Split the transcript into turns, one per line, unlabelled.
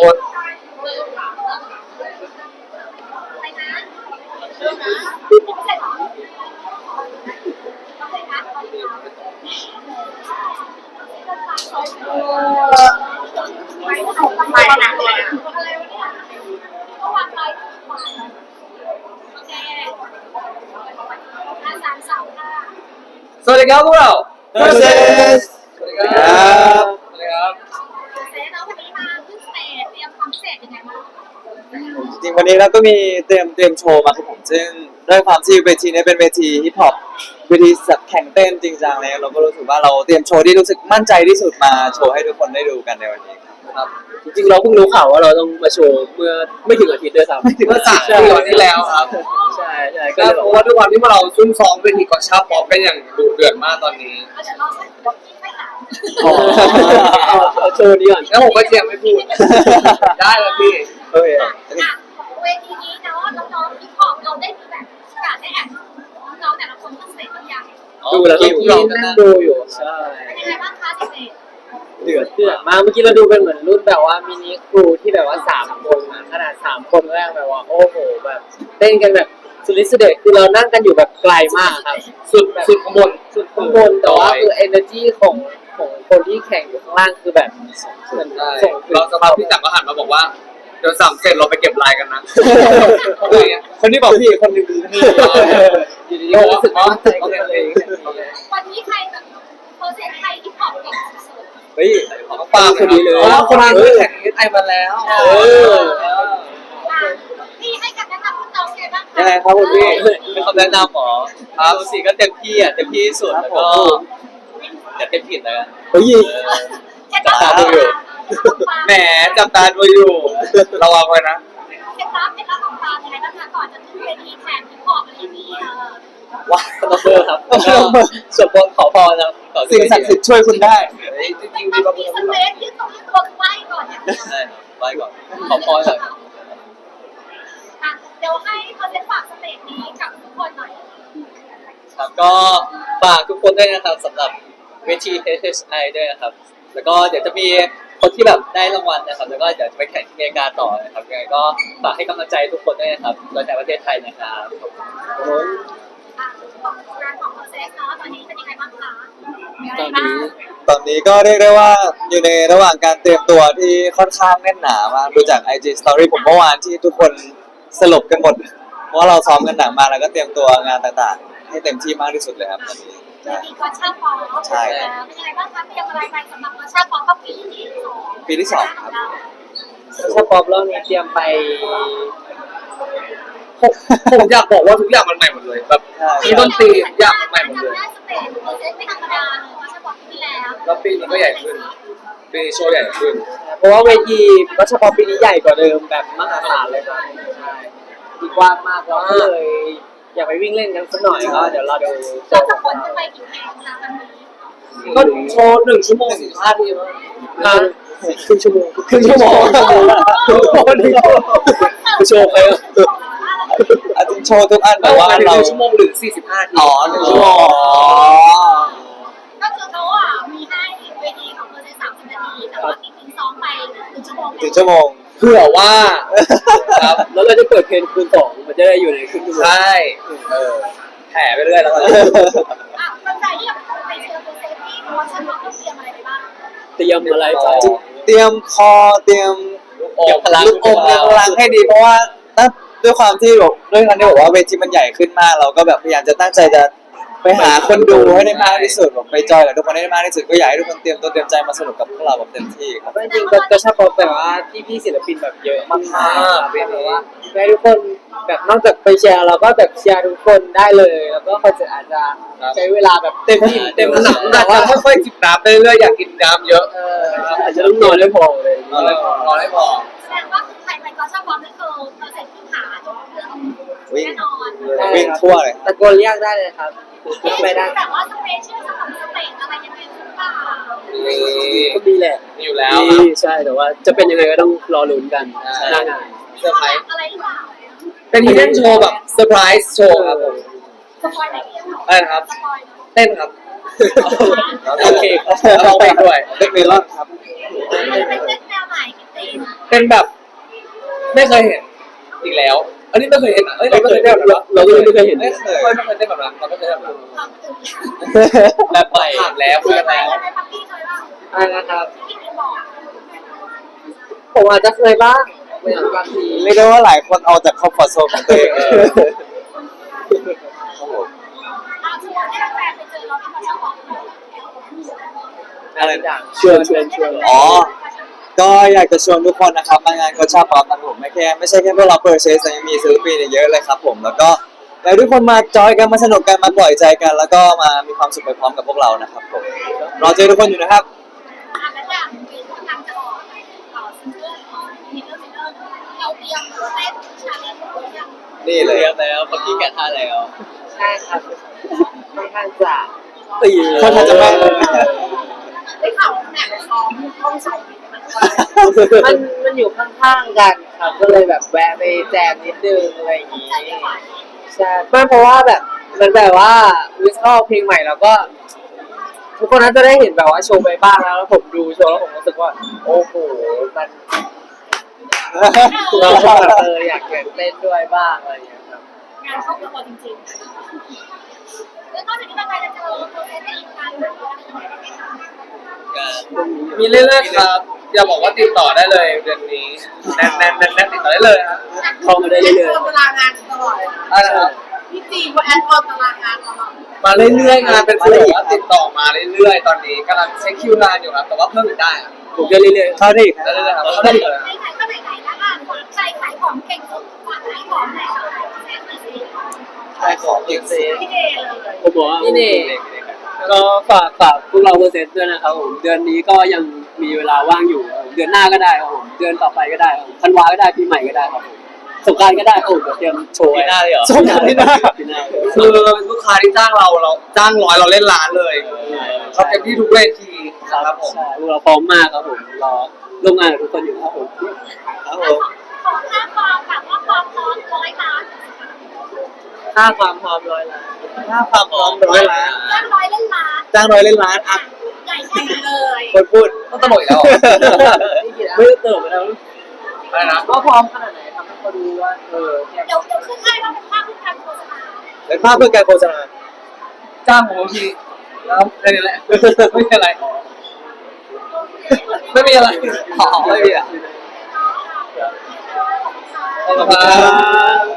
ด
ไปหนักเลย
สวัสดีครับพวกเรา
สวัสดีครับ
สวัสดีครับสวัสดีครับ
เซนแล้ววันนี้มาขึ้นสเตจเตรียมความพิเศษยังไงบ้าง
จริงวันนี้เราก็มีเตรียมโชว์มาครับผมซึ่งด้วยความที่เวทีนี้เป็นเวทีฮิปฮอปเวทีแข่งเต้นจริงจังเลยเราก็รู้สึกว่าเราเตรียมโชว์ที่รู้สึกมั่นใจที่สุดมาโชว์ให้ทุกคนได้ดูกันในวันนี้ครับ
จริงๆเราเพิ่งรู้ข่าวว่าเราต้องมาโชว์เมื่อไม่ถึงอาทิตย์ด้วยซ้ำ
เมื่อ3 ปีที่แล้วครับ
ใช่ก็
ก็
เลย
เพ
บอก
ราะ
ว่า
ว่าด้วยความที่เราซุ่มซ้อมเวทีกอชาป๊อปกันอย่างดุเดือดมากตอนนี้
เราจะลองสักยกที่ไม่หา
เอาโชว์นี้ก่อน
แล้วผมก็เจียมไม่พูด ได้แล้วพี่
โอเค
เวทีนี้เนาะน้องๆที่ขอบเราได้มีแบบโอกาสได้แอบน้องๆแต่ละคนขึ้นสเตจบางอย่าง
ดูแล้วก็นั่งดูอยู่ใช่
เป็นยังไงบ้างคะสเตจ
เดือดมากเมื่อกี้เราดูเป็นเหมือนรุ่นแบบว่ามินิครูที่แบบว่า3 คนอะขนาด3 คนแรกแบบว่าโอ้โหแบบเต้นกันแบบสุดฤทธิ์สุดเดชคือเรานั่งกันอยู่แบบไกลมากครับ
สุดข้างบน
สุดข้างบนแต่ว่าคือ energy ของคนที่แข่งอยู่ข้างล่างคือแบบเหมือนส่งถึง
เราสภาพพี่จักรก็หันมาบอกว่าเดี๋ยว3 เสร็จเราไปเก็บลายกันนะ
คนที่บอกพี่คนหนึงคือนี่
อยู่ดีๆก็รู้สึกว่าใจกันเลย
วันนี้ใครแบบเปอร์เซ็นต์ใครที่ขอบเก่งสุด
เฮ้ย
ของปากคนนี้เลยคนนี้เคยแข่งไอมาแล้ว
พี่ให้กันแนะนำน้องๆไงบ้างคะ
ยังไงครับคุณพี่
เป็นคำแนะนำหมอครับสีก็เต็มที่อ่ะเต็มที่ที่สุดแล้วก็อย่าเต็มผิดเลย
เฮ้ย
เคล็ดลับของเรา
แหมจับตาดูอยู่ระวังไว้นะ
เคล็ดลับของเรายังไงบ้างคะก่อนจะขึ้นเวทีแข่งที่ขอบอะไรอย่างนี้
ว้าต้องเบอร์ครับแล้วก็สวดมนต์ขอพรนะก่อน
สิ่งศักดิ์สิทธิ์ช่วยคุณได้
จริงๆ
มั
มี
น
บางค
มี
น
สเปซยืดตัวไหวก่อนอย่างเดียว
ใช่ไหว้ก่อนขอพรเลย
เดี๋ยวให้เขาเซ็นฝากสเตจนี้กับทุกคนหน่อย
ครับก็ฝากทุกคนด้วยนะครับสำหรับเวที HHI ด้วยนะครับแล้วก็เดี๋ยวจะมีคนที่แบบได้รางวัลนะครับแล้วก็เดี๋ยวจะไปแข่งที่อเมริกาต่อนะครับยังไงก็ฝากให้กำลังใจทุกคนด้วยนะครับโดยในประเทศไทยนะครับ
งานของโปรเซสเนาะตอนนี้เป็นยังไงบ้างคะ
ตอนนี้ก็เรียกได้ว่าอยู่ในระหว่างการเตรียมตัวที่ค่อนข้างแน่นหนามากดูจาก IG Story ผมเมื่อวานที่ทุกคนสลบกันหมดเพราะว่าเราซ้อมกันหนักมากแล้วก็เตรียมตัวงานต่างๆให้เต็มที่มากที่สุดเลยครับตอนนี้
มีกอชาฟอร์เป็นยังไงบ้างคะเตรียมอะไรไปสำหรับกอชาฟอร์ก็ปีที่ 2
ครับ
ถ้าป๊อปรอบนี้เตรียมไป
ผมอยากบอกว่าทุกอย่างมันใหม่หมดเลยแบบมีดนตรีทุกอย่างมันใหม่หมดเลย
สเตจโปรเซสไม่ธรรมดาเลยกอชาฟอร์ปีที่แล้ว
แล้วปีนี้ก็ใหญ่ขึ้นปีนี้โชว์ใหญ่ขึ้น
เพราะว่าเวทีรัชพรปีนี้ใหญ่กว่าเดิมแบบมหาศาลเลยครับใช่ดีกว้างมากเราก็เลยอยากไปวิ่งเล่นกันสักหน่อยก็เดี๋ยวเราดูโช
เรา
ว์
จะขนกันไปกี่เพลงคะวันนี้
ก็โชว์1 ชั่วโมง 15 นาทีมั้ง
ครึ่งชั่วโมง
ครึ่งชั่วโมง
โชว์ไป
อาจจะโชว์ทุกอัน
แต่
แต่
ว่า
ว่า
1
เรา
ชั่วโมงหรือ45 นาที
อ๋อ1 ชั่วโมง
ก็คือเขามีให้เวทีของโปรเซส30 นาทีแต่ว่าจริงๆซ้อมไป1 ชั่วโมง
1 ชั่วโมง
เผื่อว่าครับ
แล้วเราจะเปิดเพลงคูณ2มันจะได้อยู่ในครึ่งชั่วโมง
ใช่แผ่ไปเรื่อยแล้วกัน
คนใจที่แบบไปเจอโปรเซสที่วอชั่นเขาต้องเตรียมอะไรไปบ้าง
เตรียมอะไรไป
เตรียมคอเตรียม
เก็บพลัง
ลูกอมเตรียมพลังให้ดีเพราะว่าด้วยความที่แบบด้วยความที่บอกว่าเวทีมันใหญ่ขึ้นมากเราก็แบบพยายามจะตั้งใจจะไปหาคนดูให้ได้มากที่สุดแบบไปจอยกับทุกคนให้ได้มากที่สุดก็อยากให้ทุกคนเตรียมตัวเตรียมใจมาสนุกกับพวกเราแบบเต็มที่ครับ
จริงๆก็ชอบป๊อปแบบว่าพี่ศิลปินแบบเยอะมากๆแบบว่าให้ทุกคนแบบนอกจากไปแชร์เราก็แบบแชร์ทุกคนได้เลย แล้วก็คอนเสิร์ตอาจจะใช้เวลาแบบเต็มที่เต็มหนัก
แต่ว่าค่อยๆจิบน้ำไปเรื่อยๆอยากกินน้ำเยอะ
อาจจะต้องนอนได้พอเลย
นอนให้พอ
แสดงว่าใครไปก็ชอบความนี่คือโปรเซสที่หาจนเรื่องแน่นอน
วิ่งทั่วเลย
ตะโกนเรียกได้เลยครับไปได้
แต่ว่าสเปเชียลสำหรับสเตจอะไรยังไงหรือเปล่า
ก็มีแหละ
มีอยู่แล้ว
ใช่แต่ว่าจะเป็นยังไงก็ต้องรอลุ้นกันหน้างาน
เซอร์ไพรส์
อะไรหรือเปล่า
เป็นฮีเด้นโชว์แบบเซอร์ไพรส์โชว์ครับผม
สปอยไหนเดียว
อะไรนะครับ
สปอย
เต้นครับ
โอเค
ร้องเพลงด้วย
เด็กเมลอนครับ
มันเป็นเต้นแนวไหนกิตติ
เเป็นแบบไม่เคยเห็นอีกแล้ว อันนี้ไม่เคยเห็นอ่ะเอ้ยเราไม่เคยเต้นแบบนั้น
เราก็ไม่เคยเห็น
ไม่เคยเต้นแบบนั้นเราไม่เคยเต้นแบบนั้น
ความตื่น
แบบใหม่
ถามแล้วคุยกันแล้ว
เคยไหมพักกี้เคยบ้าง
อะไรนะครับ
ที่พี่บอก
ผมอาจจะเคยบ้างอย่างบางที
เรียกได้ว่าหลายคนเอาจากคอมฟอร์ทโซนของตัวเอง
เอาชวนให้แฟนไปเจอเราที่เขาชอบบอก
อะไร
อย่างชวน
อ๋อ ก็อยากจะชวนทุกคนนะครับมางานโกชาป๊อปนะครับผมไม่ใช่แค่พวกเราเปิดเชสแต่ยังมีศิลปินอีกเยอะเลยครับผมแล้วก็อยากให้ทุกคนมาจอยกันมาสนุกกันมาปล่อยใจกัน แล้วก็มามีความสุขไปพร้อมกับพวกเรานะครับผมรอเจอทุกคนอยู่นะครับ
แล้วอย่างมีคนทำจะออกซิงเกิลของมิเตอร์มิเตอร์เราเตรียมเต้นชาเลนจ์หรือยัง
นี่เลย
เรียบแล้วคนที่แกะท่าแล้ว
ใช่ครับค่อนข้างจะ
คนทางจะแม่น
ได้ข่าวแอบซ้อมห้องส่ง
มันอยู่ข้างๆกันครับก็เลยแบบแวะไปแจมนิดนึงอะไรอย่างงี้
ใจจะไหว
ใช่ไม่เพราะว่าแบบมันแบบว่าวิชอบเพลงใหม่แล้วก็ ทุกคนน่าจะได้เห็นแบบว่าโชว์ไปบ้างแล้วผมดูโชว์แล้วผมรู้สึกว่า โอ้โหมันเราก็แบบอยากเล่นด้วยบ้างอะไรอย่างเงี้ยครับ
งานเข้าตัวจริงๆแล้วนอกจากนี้เราจะเจอโปรเซสในอีกงานหนึ่ง
มีเรื่อยๆครับอย่าบอกว่าติดต่อได้เลยเดือนนี้แน่นติดต่อได้เลยครับ
เข้ามาได้เรื่อย
ตารางงานตลอด
ได้นะครับ
พี่จีว่าแอดออนตารางงานตลอด
มาเรื่อยๆงานเป็นฟีลแบบว่าติดต่อมาเรื่อยๆตอนนี้กำลังเช็คคิวงานอยู่ครับแต่ว่าเพิ่มอีกได้ครับ
ๆผมก็เรื่อย
เข้าได้อีก
ได้เลยครับเข้าได้เลย
ไหนๆก็ไหนๆแล้วอ่ะคนใจขายของเก่งสุดฝากขายของไหนขายเซ็ตหน่อยสิ
ขายของเองสิ
พี่เดย์เลย
ๆผมบอกว่านี่นี่ก็ฝากพวกเราเปอร์เซ็นต์ด้วยนะครับผมเดือนนี้ก็ยังมีเวลาว่างอยู่ครับผมเดือนหน้าก็ได้ครับผมเดือนต่อไปก็ได้ครับผมธันวาก็ได้ปีใหม่ก็ได้ครับผมสงกรานต์ก็ได้ครับผมเดี๋ยวเตรียมโชว์
ปีหน้าเลยเหรอ
ชมกันที่หน้า
ปีหน้า
คือลูกค้าที่จ้างเราจ้างร้อยเราเล่นล้านเลยเขาเต็มที่ทุกเวทีครับผม
ใช่พวกเราพร้อมมากครับผมรอร่วมงานกับทุกคนอยู่ครับผม
ครับผม
ขอค่าความแบบว่าความพร้อม100 ล้าน
ค่าความพร้อม100 ล้าน
ถ้าความพร้อม100 ล้าน
จ้างร้อยเล่นล้าน
จ้าง100 เล่นล้านอ่ะ
ใหญ่แค่ไหนเลย
คนพูด
ต้องตลกอีกแล้ว
ไม่เติมแล้ว
อะไรนะ
ว่าพร้อมขนาดไหนทำให้เขาดูว่าเนี่ย
เดี๋ยวขึ้นให้ว่าเป็นภาพที่การโฆษณา
เป็นภาพเพื่อการโฆษณา
จ้างผมบางทีแล้วแค่นี้แหละไม่มีอะไรไม่มีอะไรอ๋อไม่มีอ่ะ
เนาะ
ขอบคุณครับ